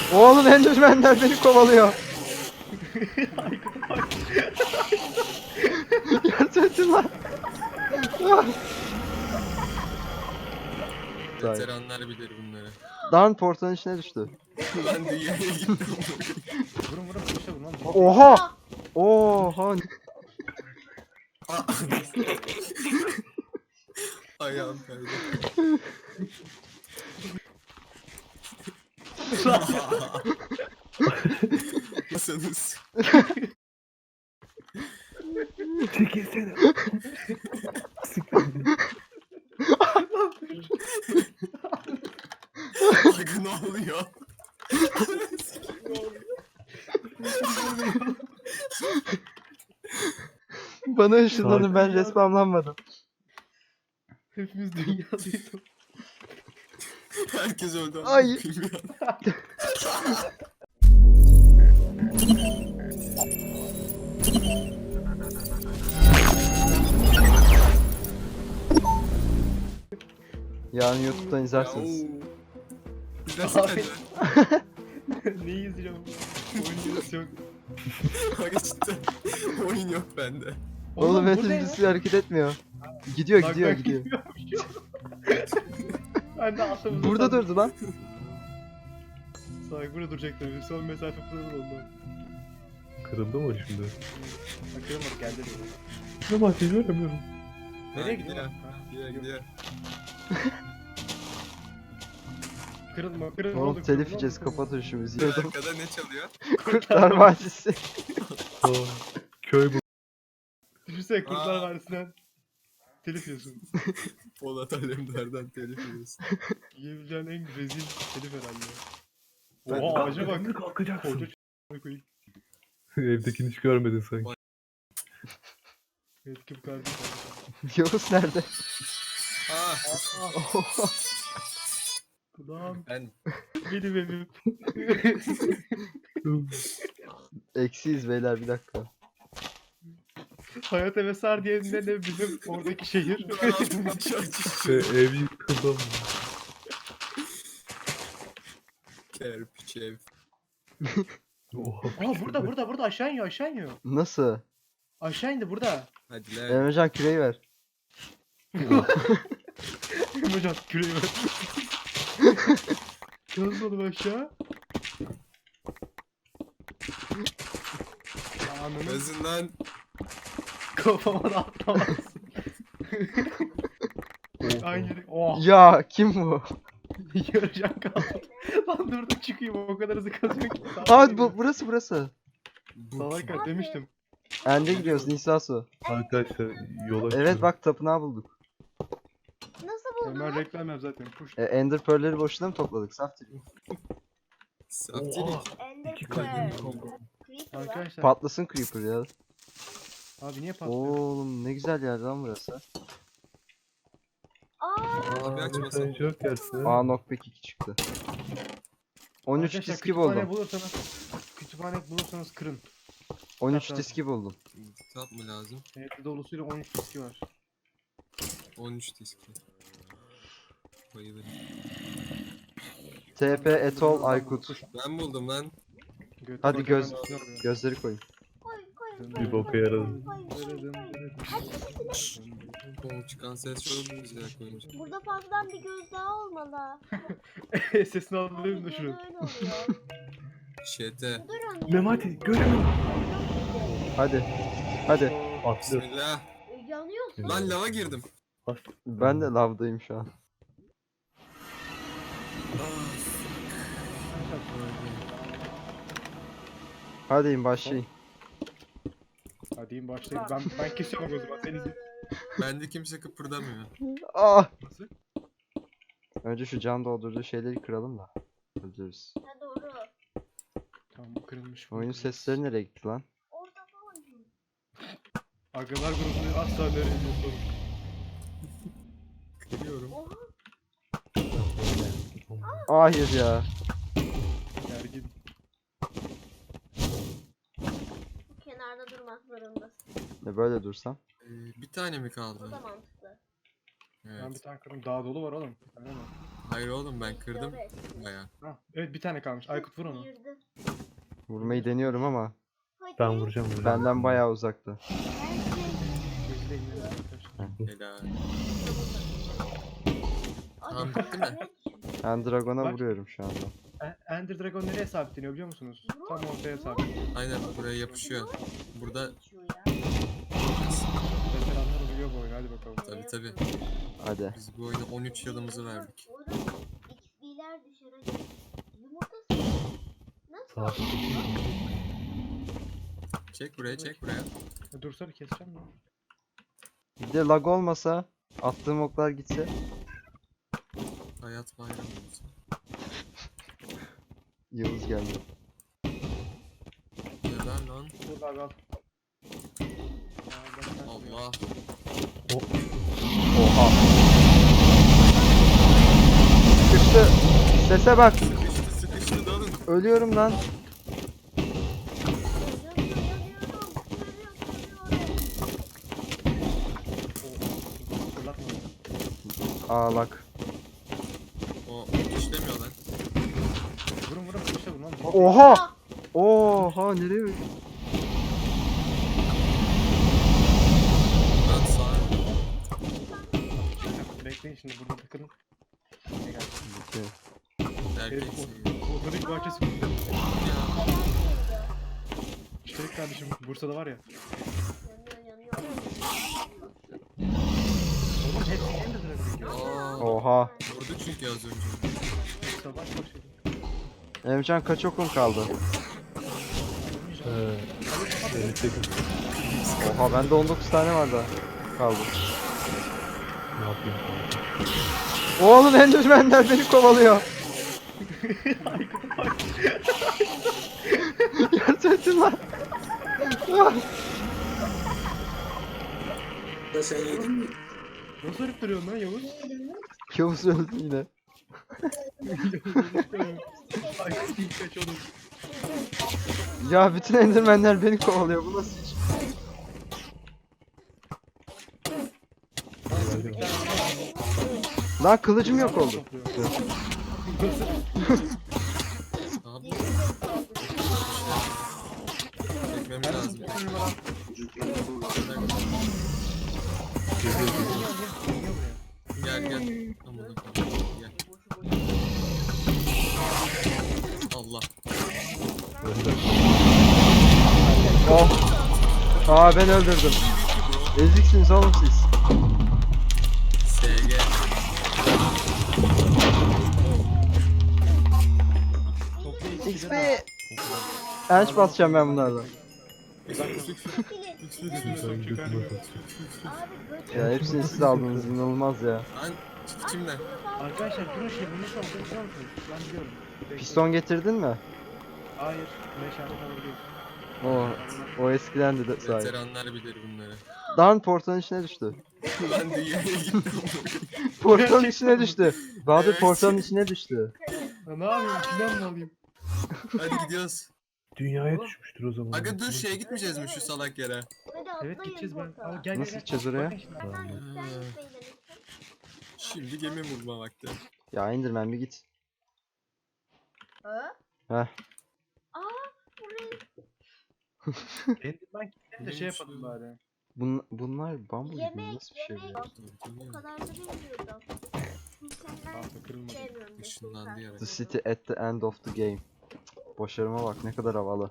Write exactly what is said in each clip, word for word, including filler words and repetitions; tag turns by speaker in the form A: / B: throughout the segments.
A: Oğlum Enderman'ler beni kovalıyor. Gerçekten lan.
B: Veteranlar bilir bunları.
A: Dan portanın içine düştü.
B: Ben de yere gittim.
C: Vurun vurun kuşa vurun lan.
A: Oha! Oha!
B: Ayağım kaydı. Nasılsınız?
D: Çekilsene.
B: Aga ne oluyor?
A: Bana ışınlanın, ben
D: Sakin ya.
A: respawnlanmadım.
C: Hepimiz dünyadayız.
B: Herkes öldü. ama
A: Ay.
B: bilmiyorum.
A: Yarın YouTube'dan izlersiniz.
B: Ya, oo. Nasıl
C: Abi.
B: acaba?
C: Neyi izleyeceğim? Oyun yok.
B: Aga cidden oyun yok bende.
A: Oğlum
C: bu ne
A: Metin
C: ya?
A: hareket etmiyor. Gidiyor
C: Bak,
A: gidiyor
C: bak,
A: gidiyor.
C: Ben de aklımda.
A: Burada durdu lan.
C: Sağ burada duracak tabii. Son mesafe kurulur ondan.
D: Kırıldı mı şimdi?
C: Bakıyorum bak geldi diyor.
D: Ama ateş göremiyorum.
C: Nereye
B: Ha,
C: gidiyor?
B: gidiyor?
C: Ha,
B: Gidiyor gidiyor.
C: Kırılma kırılma.
A: Oğlum
C: oldu,
A: telif
C: kırılma,
A: yiyeceğiz,
C: kırılma.
A: kapatın şu müziği.
B: Arkada ne çalıyor?
A: Kurtlar Vadisi.
D: Aa, köy bu.
C: Düşünsene Kurtlar
B: Aa.
C: Vadisi'nden telif yiyorsun.
B: Polat Alemdar'dan telif yiyorsun.
C: Yiyebileceğin en rezil telif herhalde.
B: Ben-
C: Oha ağaca bak.
D: Şimdi kalkacaksın.
C: Koca ç***a koyayım.
D: Evdekini hiç görmedin sanki.
C: Evet kim kardeşim.
A: Yavuz nerede?
B: Ah,
A: Oha.
C: Lan
B: ben
C: benim evim.
A: Eksiyiz beyler, bir dakika.
C: Hayat eve sar diyeninde de bizim oradaki şehir.
D: E, ev yıkıldı mı?
B: kerpiç ev.
D: Oha.
C: Aa burada burada burada aşağı iniyor aşağı iniyor.
A: Nasıl?
C: Aşağı indi burada.
B: Hadi lan.
A: Emrecan küreği ver.
C: Hocam küreği ver. Nasıl oğlum aşağı? Ananı
B: Gözünden
C: kafama da atlamazsın. Aynı yere. Oh.
A: Ya kim bu?
C: Yarıcan kaldı. Lan dur da çıkayım o kadar hızlı kazıyor ki.
A: Aa bu, burası burası.
B: bu
C: Salak demiştim.
A: Ende gidiyoruz, Nisa Su.
D: Arkadaşlar yola
A: Evet
D: çıkıyoruz.
A: bak, tapınağı bulduk.
E: Nasıl
C: Ben
E: buldun?
C: reklam yap zaten. Push.
A: E, Ender Pearl'leri boşuna mı topladık? Saf değil.
B: Saftirik.
D: Oha.
E: Ender
D: İki
E: Pearl.
D: kalbim kaldı.
E: Creeper var.
C: Arkadaşlar.
A: Patlasın Creeper ya.
C: Abi niye patlıyor?
A: Oğlum ne güzel yer lan burası.
E: Aa,
B: Abi
D: Aa,
B: açmasın.
D: mesaj yok gelsin.
A: Aa knockback iki çıktı. on üç
C: Arkadaşlar,
A: diski
C: kütüphane
A: buldum.
C: bulursanız kütüphane bulursanız kırın.
A: on üç
C: Kitap
A: diski buldum.
B: Kitap mı lazım?
C: Evet dolusuyla on üç diski var.
B: on üç diski. Bayılırım.
A: T P Etol Aykut.
B: Ben buldum lan.
C: Götü
A: Hadi
C: bak
A: göz-
C: hemen üstüne vuruyor.
A: Gözleri koyun.
E: koy koy.
D: Bir boka yaradı.
E: Koy, koy, koy.
B: O çıkan ses çok güzel koymuş.
E: Burada fazladan bir göz daha olmalı.
C: Sesini alayım da
E: Harbiden
C: şunu.
E: öyle oluyor.
B: Şete.
E: Durun.
D: Memati göremiyorum.
A: Hadi. Hadi.
D: Atlı.
B: Bismillah.
E: E, Yanıyorsun.
B: Lan lava girdim.
A: Ben de lavdayım şu an. Hadi in başlayın.
C: Hadi in başlayalım. Ben ben kesiyorum o zaman. Sen izle.
B: Bende kimse kıpırdamıyor.
A: Ah!
C: Nasıl?
A: Önce şu can doldurduğu şeyleri kıralım da. Öldürürüz.
E: Ha doğru.
C: Tamam bu kırılmış. bu
A: Oyun
C: kırılmış.
A: sesleri nereye gitti lan?
E: Orada falan.
C: Agalar grubunu asla nereye sorun.
B: Kırıyorum.
E: Oha.
A: Hayır ya.
C: Gergin.
E: Kenarda durmak zorundasın.
A: Ne böyle dursam?
B: Ee, bir tane mi
E: Bu da
B: kaldı?
E: mantıklı.
C: Ben bir
B: Evet.
C: tane kırdım. Daha dolu var oğlum. Bir tane mi?
B: Hayır oğlum ben kırdım baya.
C: Ha, evet bir tane kalmış. Aykut vur onu.
E: Sıyırdı.
A: Vurmayı deniyorum ama
E: Hadi.
D: Ben vuracağım vuracağım.
A: benden bayağı uzakta.
C: Gözüyle ilgileniyor arkadaşlar.
B: Helal.
E: Hadi.
B: Tamam bitti mi?
A: Ben Dragon'a
C: Bak.
A: vuruyorum şu anda.
C: E- Ender Dragon nereye sabitleniyor biliyor musunuz? Tam ortaya sabitleniyor.
B: Aynen buraya yapışıyor. Burada
C: Veteranlar biliyor bu oyunu. Hadi bakalım.
B: tabi tabi.
A: Hadi.
B: Biz bu oyuna on üç yılımızı verdik.
E: Oğlum X P'ler düşer hadi. Yumurtası. Nasıl?
D: Saat
B: Çek buraya çek buraya.
C: E, Dursa bir keseceğim mi?
A: Bir de lag olmasa attığım oklar gitse.
B: Hayat bayramı olsun.
A: Yıldız geldi.
B: Neden lan?
C: Dur abi al.
B: Allah.
A: Oha. Sıkıştı. Sese bak.
B: Sıkıştı sıkıştı dalın.
A: Ölüyorum lan.
E: Yanıyor yanıyorum. Yanıyorum.
C: Fırlatma.
A: Aa lag.
B: O işlemiyor lan.
C: Vurun vurun işte vurun lan.
A: Oha. Oha nereye?
B: Lan sağ.
C: Bekleyin şimdi burada takılın. Ne geldi?
A: Bitti.
B: Erkeksin.
C: Otorik bahçesi kurdu.
B: Ya.
C: Üstelik kardeşim Bursa'da var ya.
E: Yanıyor yanıyor.
C: Oğlum hepsi Ender Dragon gidiyor.
B: Aa,
A: Oha.
B: vurdu çünkü az önce.
C: Savaş başladı.
A: Emcan kaç okun kaldı?
D: Ee, elli sekiz.
A: Oha bende on dokuz tane var da kaldı.
D: Ne yapayım?
A: Oğlum Enderman'ler beni kovalıyor. Gerçekten lan.
C: Nasıl örüp duruyorsun lan Yavuz?
A: Yavuz öldü yine.
C: Ay kaç oğlum.
A: Ya bütün Enderman'ler beni kovalıyor. Bu nasıl iş? Lan kılıcım yok oldu.
B: Abi. Çekmemiz lazım. Gel gel. Amına koyayım, gel. Allah.
A: Oh. Aa ben öldürdüm. Eziksiniz oğlum siz.
B: S G.
A: X P. Enç basacağım ben bunlardan.
D: Ben götüme bak.
E: Abi
A: Ya hepsini siz aldınız inanılmaz ya.
B: Lan çık içimden.
C: Arkadaşlar durun şey bunu nasıl aldın biliyor musunuz? Ben biliyorum. Bekleyin.
A: Piston getirdin mi?
C: Hayır. Meşale falan değil.
A: O o eskiden de sahi.
B: Veteranlar bilir bunları.
A: Lan portalın içine düştü.
B: Ben dünyaya gittim.
A: Portalın içine düştü. Bahadır
B: Evet.
A: portalın içine düştü.
C: Ya ne yapayım? İçinden mi alayım?
B: Hadi gidiyoruz.
D: Dünyaya düşmüştür o zaman.
B: Aga dur şeye gitmeyeceğiz mi şu salak yere?
E: hadi
C: Evet
E: atlayın
C: gideceğiz ben.
E: portala.
C: Al gel gel
A: Nasıl
C: gel.
A: gideceğiz oraya?
C: Bakın şimdi.
E: Sen
B: Ha.
E: sen gitmeyi denesin.
B: Şimdi gemi vurma vakti.
A: Ya Enderman bir git.
E: Ha?
A: Heh.
E: Aa burayı
C: Enderman gidelim de şey yapalım bari.
A: Bun, bunlar bambu gibi mi?
E: yemek
A: Nasıl bir şey
E: yemek.
A: bu?
E: O kadar da bilmiyordum. Senden
C: Ah be kırılmadı.
E: sevmiyorum.
B: Işınlandı yere.
A: The city at the end of the game. Başarıma bak ne kadar havalı.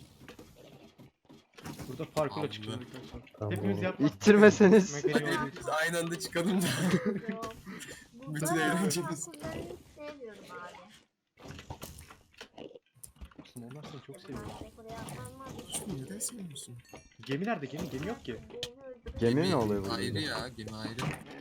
C: Burada parkurla
B: Allah.
C: çıkacağız arkadaşlar.
D: Tamam,
C: Hepimiz
D: oğlum.
C: yapmak.
A: İttirmeseniz.
C: Mekaniği olduğu
B: Hadi
C: için.
B: biz aynı anda çıkalım da. Bütün eğlencemiz.
E: Parkurlarını sevmiyorum abi.
C: Onlar seni çok seviyor.
E: Ben buraya atlanmam.
B: Şunu neden sevmiyorsun?
C: Gemi nerede? Gemi, gemi yok ki.
A: Gemi ne oluyor
B: Ayrı
A: burada?
B: ya gemi ayrı.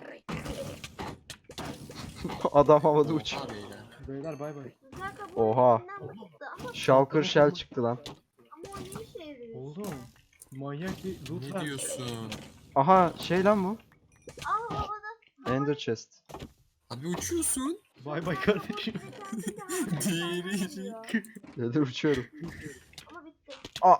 A: Adam havada uç.
B: Oha beyler.
C: Beyler bay bay.
A: Oha.
E: Ama,
A: Shulker Shell çıktı lan.
E: ama o ne işe yarıyor?
C: Oğlum. Manyak bir loot
B: Ne
C: var.
B: diyorsun?
A: Aha şey lan bu.
E: Aa havada.
A: Ender chest.
B: Abi uçuyorsun.
C: Bay bay kardeşim.
B: Diri.
A: Nedir uçuyorum.
E: Ama bitti.
A: Aa.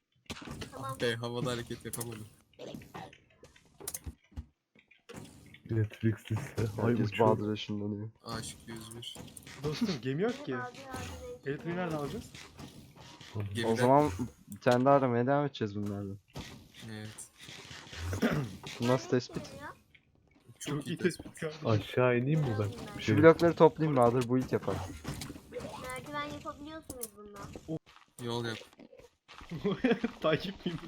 E: Tamam.
B: Be havada hareket yapamadım.
D: Netflix dizisi. Ay
A: Herkes
D: uçuyor.
A: Bahadır'a ışınlanıyor.
B: Aşk yüz bir.
C: Dostum gemi yok ki.
E: Abi abi.
C: Elektriği nereden alacağız?
B: Gemiden-
A: O zaman bir tane daha aramaya devam edeceğiz bunlardan.
B: Evet.
A: Bu nasıl tespit?
B: Çok, iyi
C: tespit
B: tespit.
C: kardeşim.
D: Aşağı ineyim mi ben? Bir
A: Şu
D: şey.
A: blokları toplayayım Bahadır, build yapar.
E: Merdiven yapabiliyorsunuz bundan.
B: Yol yap.
C: Takip miyim?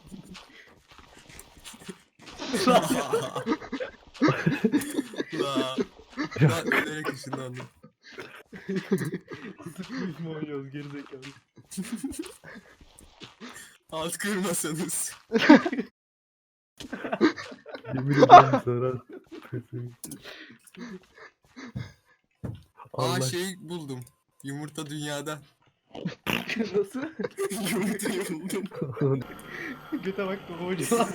B: La. Ben ölerek ışınlandım.
C: Sıfır mı oynuyoruz gerizekalı.
B: Alt kırmasanız.
D: Yemin ederim zarar.
B: Aa
D: Allah
B: şey buldum. Yumurta dünyada.
C: Nasıl?
B: Yumurtayı buldum.
C: Göte bak baba hocam.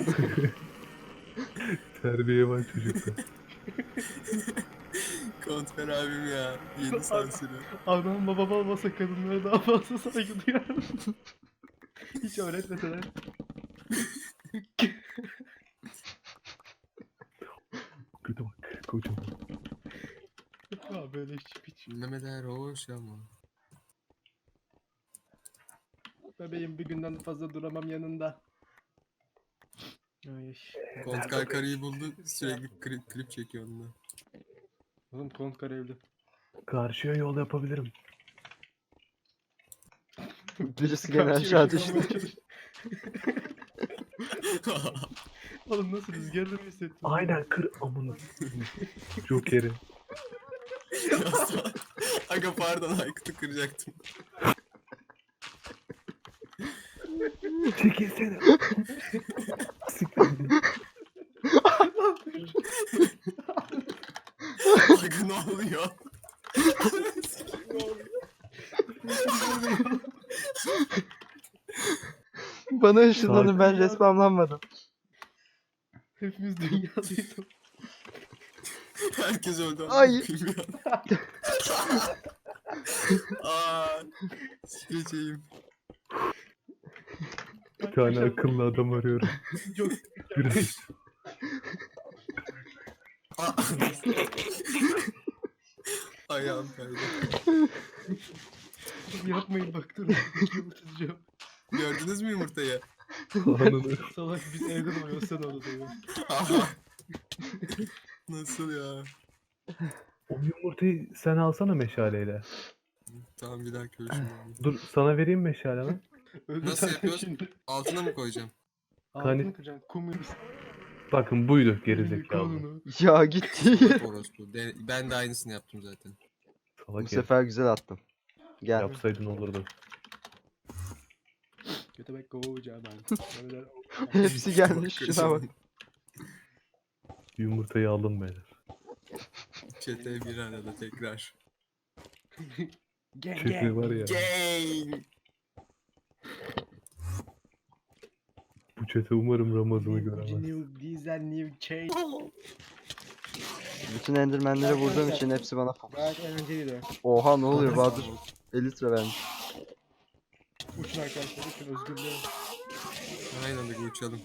D: terbiye var çocukta.
B: Kontfer abim ya. Yeni sansürü.
C: Adam babam olmasa kadınlara daha fazla saygı duyarım. Hiç öğretmeseler.
D: Kötü bak kocaman.
C: Ya böyle hiç hiç.
B: Dinlemeler hoş ama.
C: Bebeğim bir günden fazla duramam yanında. Ay.
B: Kontkar karıyı buldu. Sürekli klip, klip çekiyor onunla.
C: Oğlum kont karevli.
D: Karşıya yol yapabilirim.
A: Birisi gene aşağı düştü.
C: Oğlum nasıl rüzgarlı mı hissettin?
D: Aynen kır amını. Joker'i.
B: Aga pardon Aykut'u kıracaktım.
D: Çekilsene.
B: Aga ne oluyor?
A: Bana ışınlanın, ben
C: Sakin.
A: respamlanmadım.
C: Hepimiz dünyadayız.
B: Herkes öldü. ama
A: Ay.
B: bilmiyorum. Aa, sikeceğim.
D: Bir tane akıllı adam arıyorum.
C: Çok
D: Yürü.
B: Aa. Ayağım kaydı.
C: yapmayın bak durun. Yumurtacağım.
B: Gördünüz mü yumurtayı?
D: Ananı.
C: Salak biz evde doyuyoruz sen orada doyuyorsun.
B: Aha. Nasıl ya?
D: O yumurtayı sen alsana meşaleyle.
B: Tamam bir daha görüşürüz.
D: Dur sana vereyim meşale lan.
C: Öldü
B: Nasıl
C: zaten
B: yapıyoruz?
C: Şimdi.
B: Altına mı koyacağım?
C: Altını
D: Hani-
C: kıracaksın. Komünist.
D: Bakın buydu gerizekalı.
C: Kanunu.
A: Ya gitti.
B: Orospu. De- Ben de aynısını yaptım zaten.
A: Bu
D: Salak herif.
A: sefer güzel attım. Gel.
D: Yapsaydın olurdu.
C: Götebek kovacağı ben. Böyle-
A: Hepsi gelmiş, şuna bak.
D: Yumurtayı aldım beyler.
B: Çete bir arada tekrar.
C: Gel
D: Çekme
C: gel.
D: var ya.
B: Gang.
D: Bu çete umarım Ramazan'ı göremez.
C: New diesel new change.
A: Bütün endermenleri vurduğum için hepsi bana fokus.
C: Gayet eğlenceliydi.
A: Oha ne oluyor Bahadır? elli litre vermiş.
C: Uçun arkadaşlar uçun özgürlüğe.
B: Aynı anda uçalım.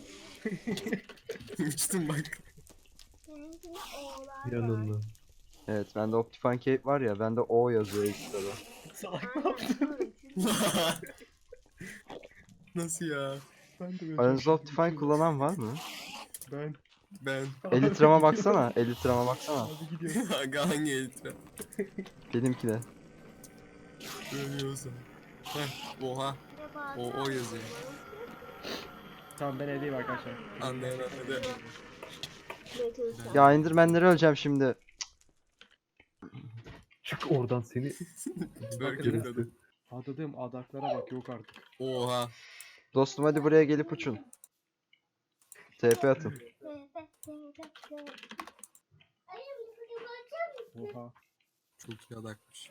B: Uçtum bak.
E: Seninkinin oğlan var.
D: Yanından.
A: Evet, bende Optifine Cape var ya, bende O yazıyor ilk sırada.
C: Salak ne yaptın?
B: Nasıl ya?
C: Ben de böyle
A: Aranızda
C: çok
A: Optifine
C: şaşırdım.
A: kullanan var mı?
C: Ben.
B: Ben.
A: Elitrama baksana, Elitrama baksana.
C: Hadi gidiyoruz.
B: Aga hangi elitra?
A: Benimki de.
B: Ölüyorsun. Heh, oha. O, o yazıyor.
C: Tamam ben evdeyim arkadaşlar.
B: Anlayan anladı.
A: Ya endermenleri öleceğim şimdi.
D: Çık oradan seni.
B: Böyle
C: Bakın.
B: kadın.
C: Adadığım adaklara bak yok artık.
B: Oha.
A: Dostum hadi buraya gelip uçun. T P atın.
C: Oha.
B: Çok iyi adakmış.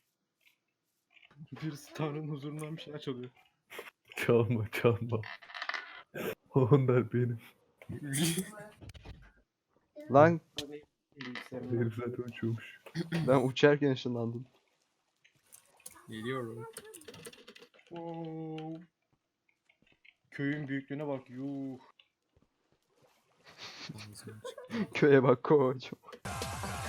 C: Birisi Tanrı'nın huzurundan bir şeyler çalıyor.
D: Çalma çalma. Onlar benim.
A: Lan
C: Bilgisayarımda.
D: Herif zaten uçuyormuş.
A: ben uçarken ışınlandım.
B: Geliyorum.
C: Oo. Köyün büyüklüğüne bak yuh.
B: Ağzım açık.
A: Köye bak koç.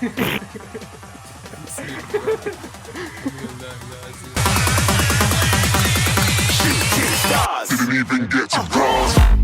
B: Bismillahirrahmanirrahim.
F: Didn't even get to cross.